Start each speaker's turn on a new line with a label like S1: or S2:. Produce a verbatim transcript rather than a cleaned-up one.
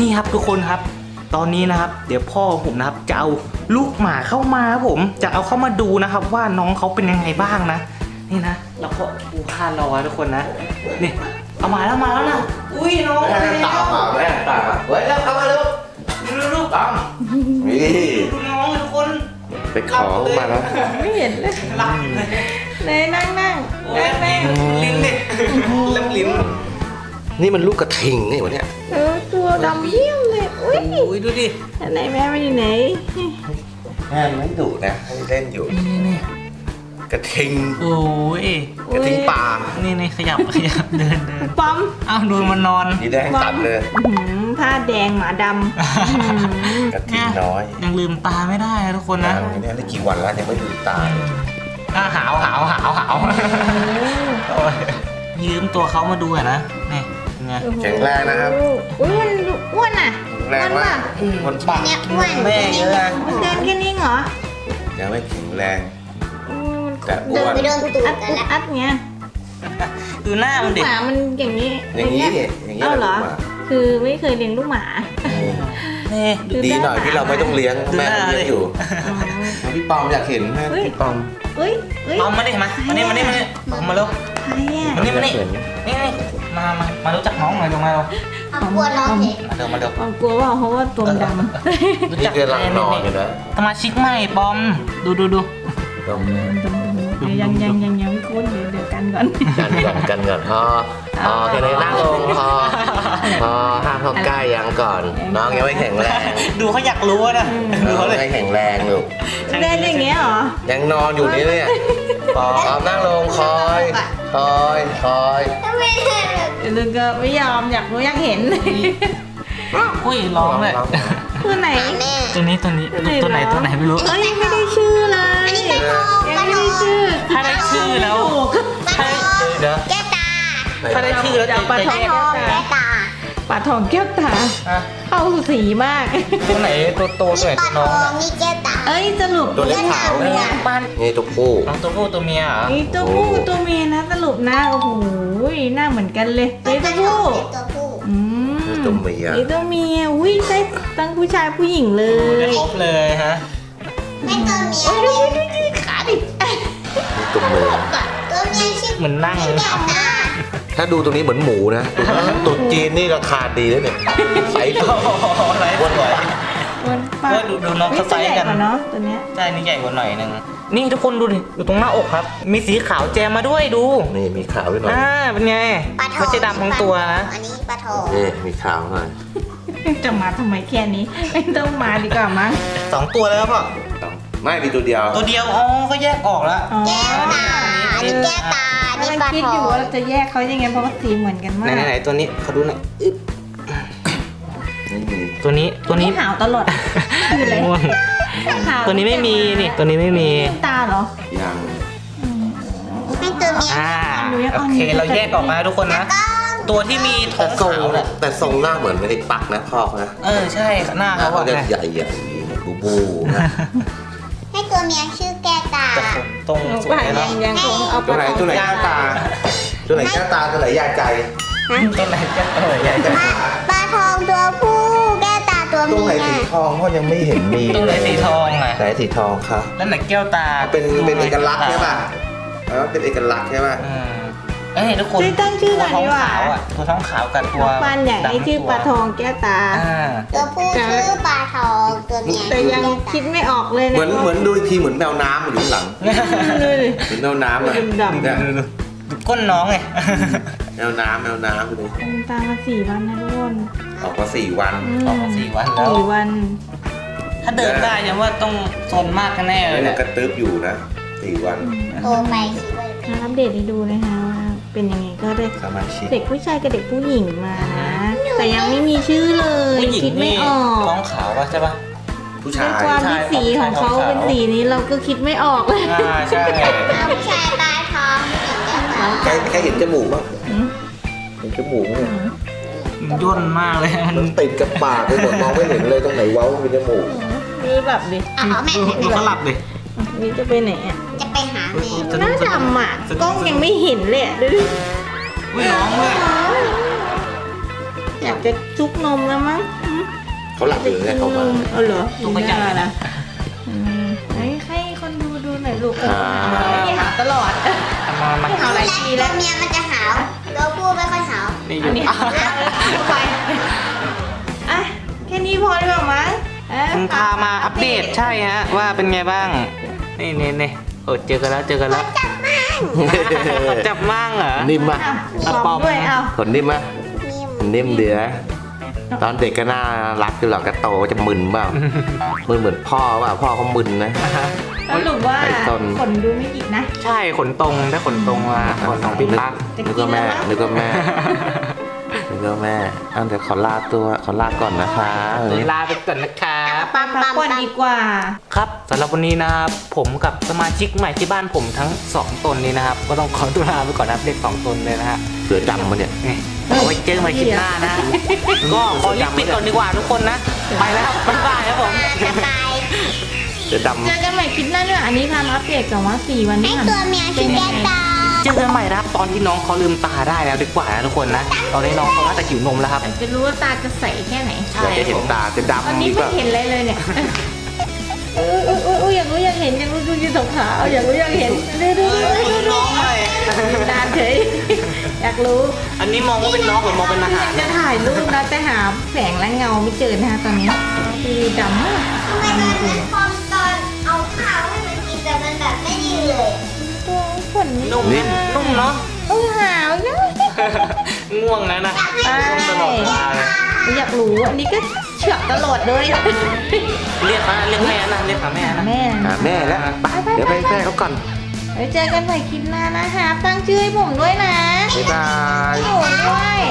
S1: นี่ครับทุกคนครับตอนนี้นะครับเดี๋ยวพ่อผมนะครับจะเอาลูกหมาเข้ามาครับผมจะเอาเข้ามาดูนะครับว่าน้องเขาเป็นยังไงบ้างนะนี่นะเราก็ปูผ้ารอทุกคนนะนี่เอามาแล้วมาแล้วนะอุ้ยน้อง
S2: แม่ตามมาแม่ตามมาเฮ้ยเข้ามาเร็ว
S1: ดูดู
S2: ตามนี่
S1: ดูน้องทุกคน
S2: ไปขอมาแล้ว
S3: ไม่เห็นเลย
S1: หลับเลย
S3: เลยนั่งนั่งนั่งนั่ง
S1: ลิ้นเนี่ยเล็บลิ้น
S2: นี่มันลูกกระทิงนี่วะเนี่ย
S3: เออตัวดำเยี่ยมเลยอุ้ย
S1: อุ้ยดูดิ
S3: ไหนแม่ไม่อยู่ไหน
S2: แม่ไม่ดุนะให้เล่นอยู่
S1: นี่นี่
S2: กระทิง
S1: โอ้ย
S2: กระทิงป่า
S1: นี่นี่ขยับขยับเดินเดิน
S3: ปั๊ม
S1: อ้าวดูมันนอน
S2: นี่แดงตัดเลย
S3: ผ้าแดงหมาดำ
S2: กระทิงน้อย
S1: ยังลืมตาไม่ได้นะทุกคนนะ
S2: ยังเนี่ยได้กี่วันแล้วยังไม่ดูตาเลย
S1: อ่ะหาวหาวหาวหาวโอ้ยยืมตัวเขามาดูอะนะนี่เป็นไง
S2: แข็งแรงนะครับ
S3: อุ้ยมันอ้วนอ่ะ
S2: แรงมากคนปาก
S3: เนี่ยอ้วน
S1: แม่เยอะอะ
S3: มันเดินแค่นี้เหรอ
S2: ยังไม่แข็งแรง
S3: อืม
S2: แต่อ้วน
S3: เดินไปโดนตูดอัดอัดเงี้ย
S1: ดูหน้ามันดิ
S3: หมามันอย่างนี้
S2: อย่างนี้เนี่ยอย่างนี้
S3: เอ้าเหรอ
S2: แหละ
S3: คือไม่เคยเลี้ยงลูกหมา
S1: นี่
S2: ดีหน่อยที่เราไม่ต้องเลี้ยงแม่เลี้ยงอยู่พี่ปอมอยากเห็นแม่พี่ปอม
S3: เฮ้ยเฮ้ย
S1: เอามาดิมามานี่มานี่มานี่เอามาเร็ว
S3: ใครอ่ะ
S1: มานี่มานี่นี่นี่มามามารู้จักน้องหน่อยลงมาเร็ว
S4: เอากลัวน้องเห็น
S1: มาเร็วมาเร็ว
S3: ความกลัวว่าเพราะว่าตัวดำ
S1: รู้
S2: นี่
S1: จัก
S2: กำลังนอนอยู่นะ
S1: สมาชิกใหม่ปอมดูดูดู
S2: ปอม
S3: ยังยังยังยังไม่คุ้นเดี๋ยวเดี๋ยวกันก่อน
S2: กันก่อนกันก่อนพอพอแค่นี้นั่งลงพอพอห้ามเข้าใกล้ยังก่อน น้องยังไม่แข็งแรง
S1: ดูเขาอยากรู้นะดู
S2: น้อง
S1: เขาเลย
S2: ไม่แข็งแรงลูก
S3: เล่นอย่างเงี้ยเหรอ
S2: ยังนอนอยู่นี่เนี่ยพอเอานั่งลงคอยคอยคอย
S4: ทำไมเห็น
S3: เดี๋ยวก็ไม่ยอมอยากรู้อยากเห็น
S1: อุ้ยร้องเลย
S3: ตัวไหน
S4: แม่
S1: ตัวนี้ตัวนี้ตัวไหนตัวไหนไม่รู้
S3: เอ้ยยังไม่ได้ชื่อเลย
S4: อันนี้ปลาทอง
S3: ยัง
S4: ปลา
S3: ไม่
S4: ทอ
S3: ได้
S4: ง
S3: ชื่อ
S1: ถ้าได้ชื่อแล้ว
S4: ปลาทอง
S1: เดี๋ยว
S4: แก้วตา
S1: ถ้าได้ชื่อแล้วจะ
S3: ปลา
S1: จะ
S3: ท
S1: แย
S3: อง
S1: ก
S4: แก้วตา
S3: ปลาทองแก้วตา
S1: อ่ะ
S3: เข้าสีมาก
S1: ตัวไหนตัวโตตัวไหน
S4: ป
S1: ตั
S4: ลาว ท
S1: น้อง
S4: องนี่แก้วตา
S3: เอ้ยสรุป
S2: ตัวเล็กขาว
S3: เมีย
S1: บ้าน
S2: นี่ตัวผู้
S1: น้องตัวผู้ตัวเมียเหรอ
S3: นี่ตัวผู้ตัวเมียนะสรุปนะโอ้โหหน้าเหมือนกันเลยนี่ตัวผู้
S4: ตัวผู้
S3: อืม
S2: นี่ตัวเมีย
S3: นี่ตัวเมียอุ้ยได้ทั้งผู้ชายผู้หญิงเล
S1: ได้
S3: ย
S1: ครบเลยฮะ
S4: ให้ตัวเมีย
S3: โอ้ยดูดิดิขาดิ
S2: นี่ตัวเมีย
S4: ตัวเมียชื่อ
S1: เหมือนนั่ง
S4: แก้วตา
S2: ถ้าดูตรงนี้เหมือนหมูนะตุ๊ดจีนนี่ราคาดีแล้วเนี่ยไซส์
S1: โอ้โหไรบนไหว
S3: มันปลา
S1: เออดูดูน้องเขาไซส์กัน
S3: เนาะตัวเนี้ย
S1: ใช่นี่ใหญ่กว่าหน่อยนึงนี่ทุกคนดูดิอยู่ตรงหน้าอกครับ มีสีขาวแจมมาด้วยดู
S2: นี่มีขาวด้วยหน่อย
S1: อ่าเป็นไง
S4: ปลาทอง
S1: ไม่ใช่ดำทั้งตัวนะ
S4: อันนี้ปลาทอง
S2: นี่มีขาวหน่อย
S3: จะมาทำไมแค่นี้ไม่ต้องมาดีกว่ามั้ง
S1: สองตัวแล้วครับพ่อ
S2: ไม่มีตัวเดียว
S1: ตัวเดียวอ๋อก็แยกออกแล้ว
S3: อ๋อ
S4: แก้วตาอันนี้แก้วตาอันนี้
S3: กำลัง
S4: ปลา
S3: คิด
S4: ทอ
S3: อยู่
S4: ง
S3: ว่าเราจะแยกเขายังไงเพราะว่าสีเหมือนกันมา
S1: ไหน
S3: ก
S1: ไหนๆตัวนี้เขาดูหน่อยอึ๊บ
S2: ไม่มี
S1: ตัวนี้ตัวนี้
S3: นี่หาวตลอดคืออะไร
S1: ง่วง
S3: หาว
S1: ตัวนี้ไม่มีนี่ตัวนี้ไม่มี
S3: ตาเหรอ
S2: ยัง
S4: ให้ตัวเมีย
S1: อ่า
S3: ดูยัง
S1: โอ
S3: อ่อน
S1: เค
S3: อยู่
S1: เราแยกออกมาทุกคนนะ ตัวที่มีท้
S2: แต่
S1: อง
S2: ทรง
S1: ขาวเนี่ย
S2: แต่ทรงหน้าเหมือนไม่ได้ปักนะพ่อเขานะ
S1: เออใช่หน้า
S2: หน้า
S1: เขา
S2: เขา
S1: อะ
S2: จะ
S1: ไง
S2: ใหญ่ใหญ่บูบูนะ
S4: ให้ตัวเมียชื่อแก้วตา
S1: แต่ตรงสว
S3: ว่าย ยั
S1: เนาะ
S3: งยังคงเอา
S2: ตัวไหนตัวไหนแก้วตา ตัวไหนแก้วตาตัวไหนยาใจ
S1: ตัวไหนจะเออใหญ่จะ
S4: ปลาทองตัวผู้แก้วตาตัว
S2: ตัว
S4: เมี
S2: ไหน
S4: ย
S2: สีทองพ่อยังไม่เห็นมี
S1: ตัวไหนสีทองอ่ะ
S2: ไหนสีทองครับ
S1: แล้วไหนแก้วตา
S2: เป็นเป็นเอกลักษณ์ใช่ป่ะเออเป็นเอกลักษณ์ใช่ป่ะ
S1: อืมเอ้ยทุกคน
S3: ช่วยตั้งชื่อหน่อย
S1: ตัวท้อง
S3: ดีกว่า
S1: ขาวอ่ะตัวท้องขาวกับตัว
S3: ปันอยากให้ชื่อปลาทองแก้วตา
S1: อ่า
S4: ตัวผู้ชื่อปลาทองตัวเมีย
S3: แต่ยังคิดไม่ออกเลยนะ
S2: เหมือนเหมือนดูอีกทีเหมือนแมวน้ำอยู่ข้างหลัง
S3: ดูดิ
S2: เหมือนแมวน้ำอะ
S3: ดำๆ
S2: เนี่ย
S1: ดูก้นน้องไง
S2: แมวน้ำแมวน้ำดูดิ
S3: เป็นตามาสี่วันนะทุกคน
S2: ออกมาสี่วัน
S3: ม
S1: ออกมาสี่วันแล้ว
S3: สี่วัน
S1: ถ้าเดินได้ยังว่าต้องซนมากแน่ๆเล
S2: แล้
S1: ยว
S2: เนี่
S1: เนี่ย ย
S2: กระตึบอยู่นะสี่วัน
S4: โตไปคิดว่า
S3: มาอัปเดตให้ดูนะคะว่าเป็นยังไงก็ได้
S2: สมาชิก
S3: เด็กผู้ชายกับเด็กผู้หญิงมานะแต่ยังไม่มีชื่อเลย
S1: ผู้หญิง
S3: คิดไม่
S1: นี่
S3: ออก
S1: ท้องขาวป่ะใช่ป่ะ
S2: ผู้
S3: ใน
S2: ชาย
S3: ความที่สีของเขาเป็นสีนี้เราก็คิดไม่ออกเลย
S1: อ่าใช่
S4: เอาผู้ชายปลาทองผู้หญิงแก้วตา
S2: ใครใครเห็นจมูกบ้าง
S3: อืม
S2: เห็นจมูกไหม
S1: มันย่นมากเลยมัน
S2: มันติดกับปากไปหมดมองไม่เห็นเลยตรงไหนเว้าเป็นจมูก
S3: นี่แบบดิ
S4: เอาเอาแม่
S1: ดู
S4: แม่
S1: ดูเขาหลับดิ
S3: นี่จะไปไหนอ่ะ
S4: จะไปหาแม่
S1: สะ
S3: ห
S1: ดุ้
S3: น้าง
S1: สะดุ้ง
S3: ดำอ่ะกล้องยังไม่เห็นเลยอะดูดิ
S1: อุ้ยน้องเลย
S3: อยากจะจุกนมแล้วมั้งอืม
S2: เขาหลับอยู่ไงเขามา
S3: เอาเหรอดูหน้านะอืมเฮ้ยให้คนดูดูหน่อยลูกเออหาไม่หาตลอด
S1: มามา
S3: ไม่หาหลายที
S4: ตั
S3: แล้ว ว
S4: เมียมันจะหาวตัวผู้ไม่ค่อยหาว
S1: นี่อ
S3: อั
S1: ยู่
S3: นนี้เอาไปอ่ะแค่นี้พอหรือเปล่ามั้งเอ้ย
S1: พามาอัปเดตใช่ฮะว่าเป็นไงบ้างนี่นี่นี่เออเจอกันแล้วเจอกันแล้วจับมั่งเหรอ
S2: นิ่มปะ
S3: เอาปอมด้วยเอา
S2: ขนนิ่มปะ
S4: นิ่ม
S2: นิ่มเดือตอนเด็กก็น่ารักอยู่หรอกก็โตจะมึนเปล่ามึนเหมือนพ่อเปล่าพ่อเขามึนนะ
S3: สรุปว่า
S2: ไอ้ต้น
S3: ขนดูไม่หยิกนะ
S1: ใช่ขนตรงถ้าขนตรงมาขนของพี่ตั๊ก
S2: นึกว่าแม่นึกว่าแม่นึกว่าแม่อันเดี๋ยวขอลาตัวขอลาก่อนนะคะเออ
S1: เวลาไปก่อนนะครับ
S3: ไปพักผ่อนดีกว่า
S1: ครับสำหรับวันนี้นะครับผมกับสมาชิกใหม่ที่บ้านผมทั้งสองตนนี้นะครับ ก็ต้องขอตัวลาไปก่อนนะครับเด็กสองตนเลยนะฮะ
S2: เสือดำมาเนี่ย
S1: นี่เอาไว้เจอกันใหม่คลิปหน้านะ ก็ขอรีบปิดก่อนดีกว่าทุกคนนะ ไปแล้วบ๊ายบายครับผม
S4: จะตาย
S2: เสือดำ
S3: เจอกันใหม่คลิปหน้าด้วยอันนี้พามาอัปเดตก่อนว่าสี่วัน
S4: ไอ
S3: นี้ผ่าน
S4: ตัวเมียชื่อแก้ตา
S1: เจอกันใหม่นะครับตอนที่น้องเขาลืมตาได้แล้วดีกว่านะทุกคนนะตอนนี้น้องเขาน่าจะหิวนมแล้วครับ
S3: อยากจะรู้ว่าตาจะใสแค่ไหน
S2: อยากจะเห็นตาจะ
S3: ตอน
S2: ดำ
S3: นี้
S2: นี่
S3: ไม่
S2: ป่ะ
S3: เห็นอะไรเลยเนี่ยเออเออเออเอออยากรู้อยากเห็นอยากรู้ดูยืนสองขาเอาอยากรู้อยากเห็นดูดูดูดูดู
S1: น้องเลย
S3: นานเฉยอยากรู้
S1: อันนี้มองว่าเป็นน้องหรือมองเป็นอาหาร
S3: จะถ่ายรูปนะแต่หาแสงและเงาไม่เจอนะคะตอนนี้คือดำมาก
S4: ทำไมตอนนั้นพอตอนเอาข้าวให้มันกินแต่มันแบบไม่ดีเลย
S3: ตัวขน
S1: นุ่มนะนุ่มเนาะ
S3: เออหาวนะ
S1: ง่วงแล้วนะง่วงตลอดเวลาเลย
S3: อยากรู้อันนี้ก็เฉือกตลอดเลย
S1: เรียกนะเรียกแม่นะเรียกหาแม่นะ
S3: แม่
S2: หาแม่แล้วไปเดี๋ยวไปแม่เขาก่อน
S3: ไว้เจอกันใหม่คลิปหน้านะคะตั้งชื่อให้ผมด้วยนะ
S2: บ๊ายบาย
S3: ผมด้วย